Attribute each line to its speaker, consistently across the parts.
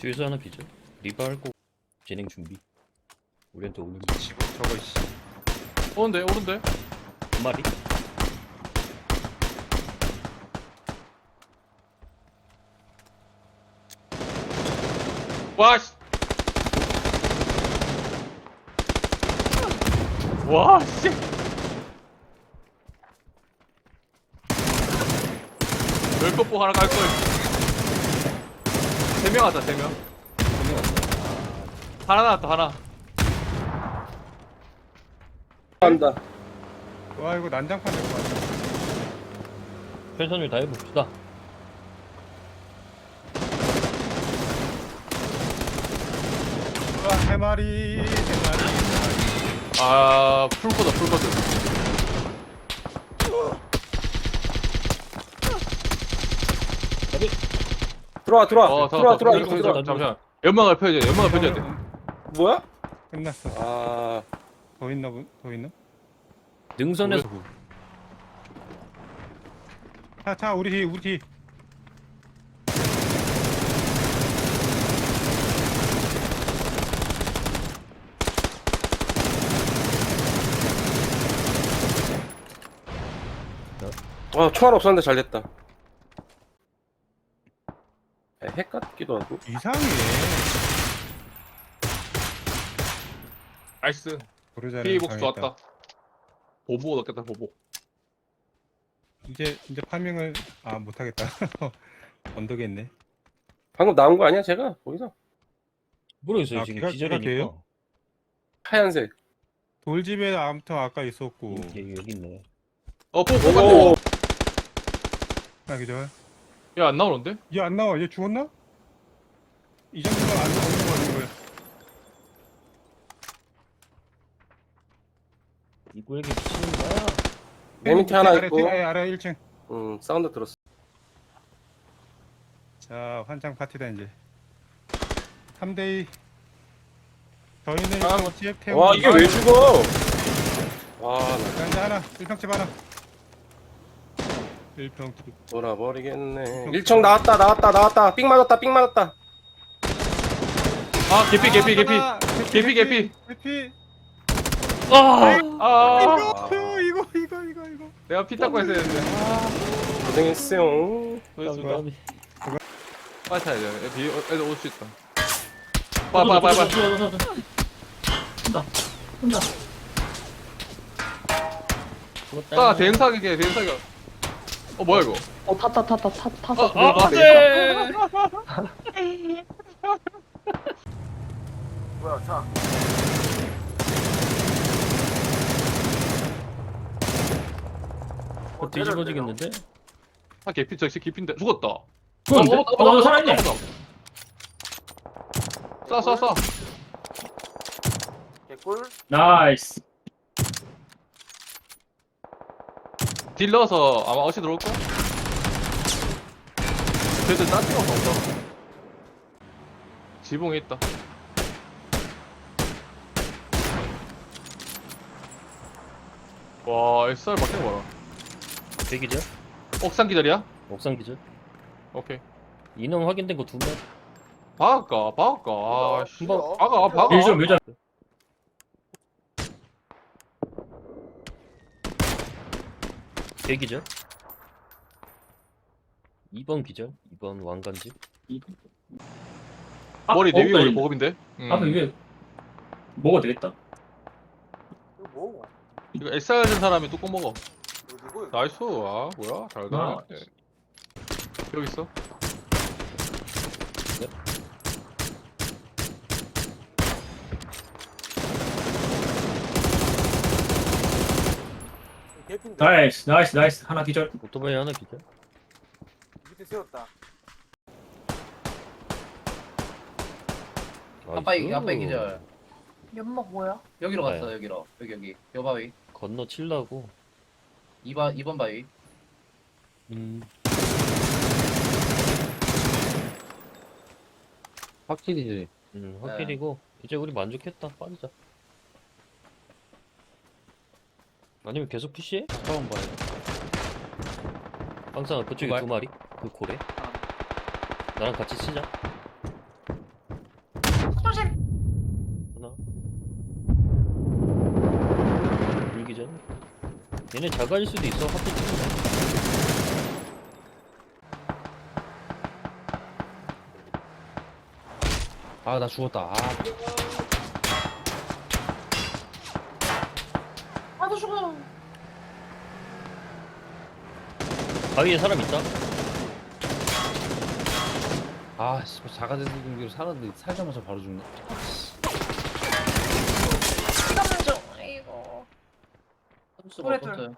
Speaker 1: 뒤에서 하나 비죠. 리바할 거 진행 준비. 우리한테 오는
Speaker 2: 지금 저거 씨. 오른데.
Speaker 1: 두 마리.
Speaker 2: 와 씨. 와 씨. 열컵보 하나 깔 걸. 3명 하자 3명. 하나 나왔다 하나.
Speaker 3: 한다.
Speaker 4: 와 이거 난장판 될 것 같아.
Speaker 1: 최선을 다해 봅시다.
Speaker 4: 와, 세 마리, 세 마리.
Speaker 2: 아 풀코다 풀코드.
Speaker 3: 들어와
Speaker 2: 잠깐만.
Speaker 3: 들어와.
Speaker 2: 잠시만. 연막을 펴야 돼. 연막을 펴야 돼.
Speaker 3: 뭐야?
Speaker 4: 끝났어.
Speaker 3: 아
Speaker 4: 더 있나 보? 더 있나?
Speaker 1: 능선에서
Speaker 4: 자 우리 뒤.
Speaker 3: 총알 없었는데 잘 됐다. 핵 같기도 하고.
Speaker 4: 이상해.
Speaker 2: 나이스.
Speaker 4: 고르자를
Speaker 2: 피복스
Speaker 4: 당했다.
Speaker 2: 좋았다. 보보 넣겠다 보보.
Speaker 4: 이제 파밍을 못하겠다. 언덕에 있네.
Speaker 3: 방금 나온 거 아니야 제가 거기서?
Speaker 1: 모르겠어요. 지금
Speaker 4: 걔가
Speaker 1: 기절이니까.
Speaker 4: 돼요?
Speaker 3: 하얀색.
Speaker 4: 돌집에 아무튼 아까 있었고.
Speaker 1: 여기 있네.
Speaker 2: 보보
Speaker 3: 오.
Speaker 2: 같네.
Speaker 4: 기절.
Speaker 2: 야안 나오는데?
Speaker 4: 얘 안 나와. 얘 죽었나? 이 정도면 안 나오는 거 같은 거야.
Speaker 1: 이구에게 미치는 거야.
Speaker 3: 맨 밑에 하나 있고.
Speaker 4: 아래 1층.
Speaker 3: 사운드 들었어.
Speaker 4: 자 환장 파티다 이제. 3대2. 저희는
Speaker 2: 아,
Speaker 4: 지역 태우고.
Speaker 3: 와 이게 왜 죽어? 와 나
Speaker 4: 자 이제 하나 1평집 하나. 1평집.
Speaker 3: 돌아버리겠네. 1청 나왔다. 삥 맞았다.
Speaker 2: 아 개피.
Speaker 4: 개피.
Speaker 1: 아!
Speaker 2: 아
Speaker 4: 이거.
Speaker 2: 내가 피 닦고 했어야 되는데.
Speaker 3: 고생했어요.
Speaker 2: 그렇습니다. 빨리 타야 돼. 애들 올 수 있다.
Speaker 1: 빨리.
Speaker 2: 빨리.
Speaker 1: 혼자.
Speaker 2: 대응 사격이야. 뭐야 이거?
Speaker 5: 탔어.
Speaker 2: 안돼.
Speaker 3: 뭐야 차?
Speaker 1: 뒤집어지겠는데?
Speaker 2: 개피 저기 개피인데 죽었다.
Speaker 1: 죽었는데? 너 살아있네.
Speaker 2: 쏴.
Speaker 3: 개꿀?
Speaker 1: 나이스.
Speaker 2: 딜 넣어서 아마 어시 들어올까? 쟤들 딴 데가 없다. 지붕에 있다. 와 SR 막힌 거 봐라.
Speaker 1: 대기죠?
Speaker 2: 옥상 기다리야?
Speaker 1: 옥상 기절.
Speaker 2: 오케이.
Speaker 1: 인원 확인된 거 두 명.
Speaker 2: 박을까? 아, 씨.
Speaker 1: 한번
Speaker 2: 박아.
Speaker 1: 밀자. 대기죠? 2번 기절. 2번 왕관집.
Speaker 2: 머리 내위 머리 보급인데?
Speaker 6: 이게 먹어도 되겠다.
Speaker 2: 이거 SR 된 사람이 뚜껑 먹어. 나이스. 아, 뭐야? 잘 가네.
Speaker 6: 나이스.
Speaker 2: 여기 있어.
Speaker 6: 나이스. 하나 기절.
Speaker 1: 오토바이 하나 기절.
Speaker 3: 밑에 세웠다.
Speaker 5: 아빠 기절.
Speaker 7: 연막 뭐야?
Speaker 5: 여기로
Speaker 1: 뭐야?
Speaker 5: 갔어. 여기로. 여기. 요 바위.
Speaker 1: 건너 칠라고.
Speaker 5: 2번 바위.
Speaker 1: 확실히지. 확실히고. 이제 우리 만족했다. 빠지자. 아니면 계속 푸시해? 처음 봐요. 항상 그쪽에
Speaker 2: 두 발?
Speaker 1: 두 마리. 그 고래. 나랑 같이 치자. 얘네 자가일 수도 있어. 하필 찍네.
Speaker 2: 아, 나 죽었다. 아,
Speaker 5: 아너 죽어.
Speaker 1: 바위에 사람 있다.
Speaker 2: 아, 씨, 자가제수 공기로 살았는데 살자마자 바로 죽네.
Speaker 7: 잠깐만 좀. 아이고.
Speaker 5: 수가
Speaker 7: 그래,
Speaker 5: 없었어요.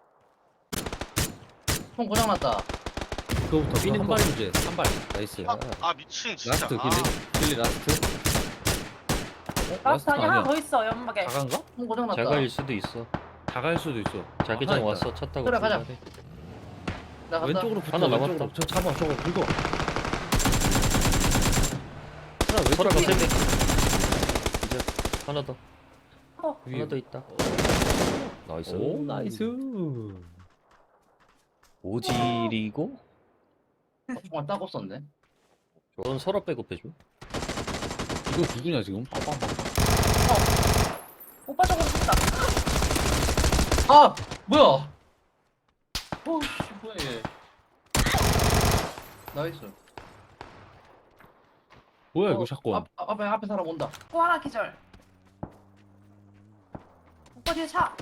Speaker 5: 총 고장났다.
Speaker 2: 그거부터
Speaker 1: 삐는
Speaker 2: 한 발 문제. 한 발. 나이스.
Speaker 8: 아 미친 진짜.
Speaker 2: 라스트 길리 라스트.
Speaker 7: 라스트 아니 하나
Speaker 2: 아니야.
Speaker 7: 더 있어 연막에.
Speaker 2: 자가인가?
Speaker 5: 총 고장났다.
Speaker 1: 자가일 수도 있어.
Speaker 2: 자가일 수도 있어.
Speaker 1: 자기장
Speaker 2: 하나
Speaker 1: 왔어. 차 타고
Speaker 5: 그래, 가자.
Speaker 1: 출발해.
Speaker 5: 나 간다.
Speaker 2: 왼쪽으로 붙어.
Speaker 1: 하나
Speaker 2: 왼쪽으로.
Speaker 1: 남았다.
Speaker 2: 저 잡아. 저거 긁어. 하나
Speaker 1: 서라가
Speaker 2: 왼쪽으로.
Speaker 1: 세대. 이제 하나 더.
Speaker 2: 위에.
Speaker 1: 하나 더 있다. 나이스.
Speaker 2: 오, 나이스.
Speaker 1: 오질이고
Speaker 5: 총알 딱 없었네.
Speaker 1: 넌 서랍 백업해줘.
Speaker 2: 이거 누구냐 지금?
Speaker 7: 오빠 저거 죽다.
Speaker 5: 아 뭐야? 어씨 뭐야 얘. 나이스.
Speaker 2: 뭐야 이거 샷건?
Speaker 5: 앞에 사람 온다.
Speaker 7: 또 하나 기절. 오빠 뒤에 차.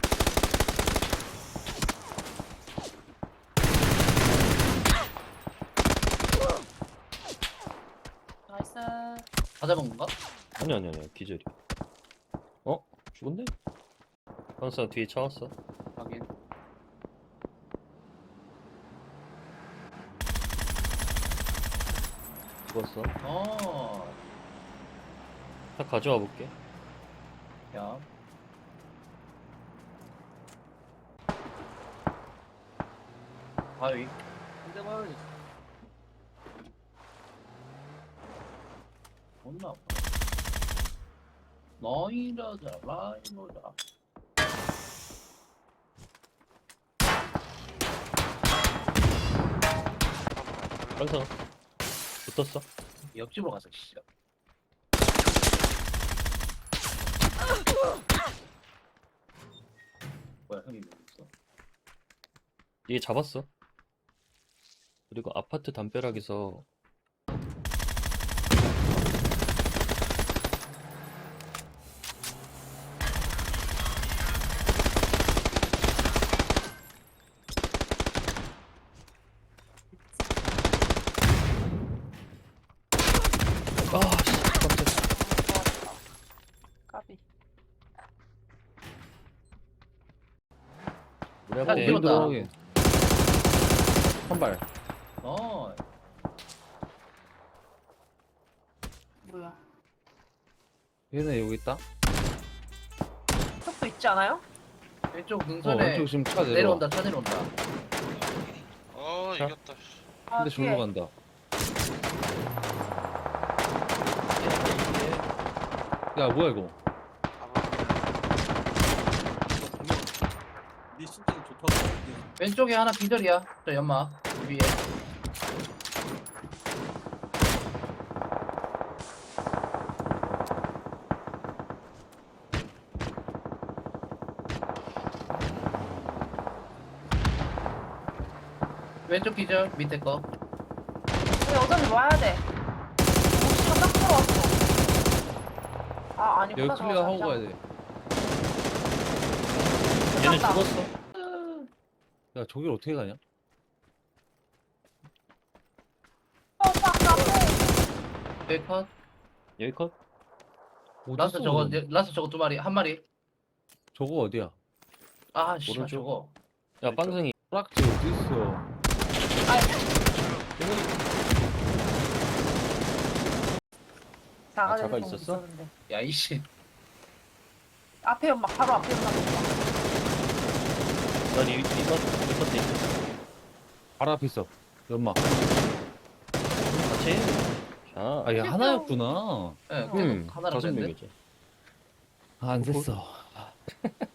Speaker 7: 나이스.
Speaker 5: 다 잡은 건가?
Speaker 1: 아니 기절이. 어? 죽었네? 항상 뒤에 차 왔어.
Speaker 5: 확인.
Speaker 1: 죽었어.
Speaker 5: 어.
Speaker 1: 차 가져와 볼게.
Speaker 5: 야. 바위. 존나 아파. 너이라자 라이노자.
Speaker 1: 항상 붙었어.
Speaker 5: 옆집으로 가서 씨. 뭐야 형이 왜 있어?
Speaker 1: 얘 잡았어. 그리고 아파트 담벼락에서 아씨 깜짝이야.
Speaker 7: 까비.
Speaker 1: 우리
Speaker 5: 야,
Speaker 1: 앞에
Speaker 5: 이거
Speaker 2: 들어가게. 한 발.
Speaker 5: 어.
Speaker 7: 뭐야?
Speaker 2: 얘네 여기 있다.
Speaker 7: 속도 있지 않아요?
Speaker 5: 왼쪽 능선에
Speaker 2: 왼쪽 지금 차 내려와.
Speaker 5: 내려온다. 차 내려온다.
Speaker 8: 어
Speaker 1: 자.
Speaker 8: 이겼다.
Speaker 7: 아,
Speaker 2: 근데 절로
Speaker 7: 뒤에.
Speaker 2: 간다. 야 뭐야 이거?
Speaker 5: 왼쪽에 하나 기절이야. 저 연마 위에. 왼쪽 기절 밑에 거.
Speaker 7: 우리 어차피 와야 돼. 혹시나 딱 들어왔어. 아 아니구나.
Speaker 2: 여기 클리어 하고 가야 돼.
Speaker 1: 얘는
Speaker 7: 맞다.
Speaker 1: 죽었어.
Speaker 2: 야 저길 어떻게 가냐?
Speaker 7: 오빠 앞에.
Speaker 5: 여기 컷.
Speaker 1: 여기 컷.
Speaker 5: 라스
Speaker 2: 어딨어,
Speaker 5: 저거
Speaker 2: 그럼?
Speaker 5: 라스 저거 두 마리 한 마리.
Speaker 2: 저거 어디야?
Speaker 5: 아 씨발
Speaker 1: 오른쪽.
Speaker 5: 저거.
Speaker 1: 야 빵승이
Speaker 2: 프락지 어디 있어?
Speaker 7: 자가
Speaker 1: 자가 있었어?
Speaker 5: 야 이씨.
Speaker 7: 앞에 연막 바로 앞에 연막.
Speaker 1: 난 이거 돼 있어.
Speaker 2: 바로 앞에 있어. 연막.
Speaker 1: 같이. 자.
Speaker 2: 아 얘 하나였구나.
Speaker 5: 예,
Speaker 1: 음,
Speaker 5: 계속 하나를
Speaker 1: 다섯
Speaker 5: 뺐네.
Speaker 1: 명이지.
Speaker 2: 안 됐어.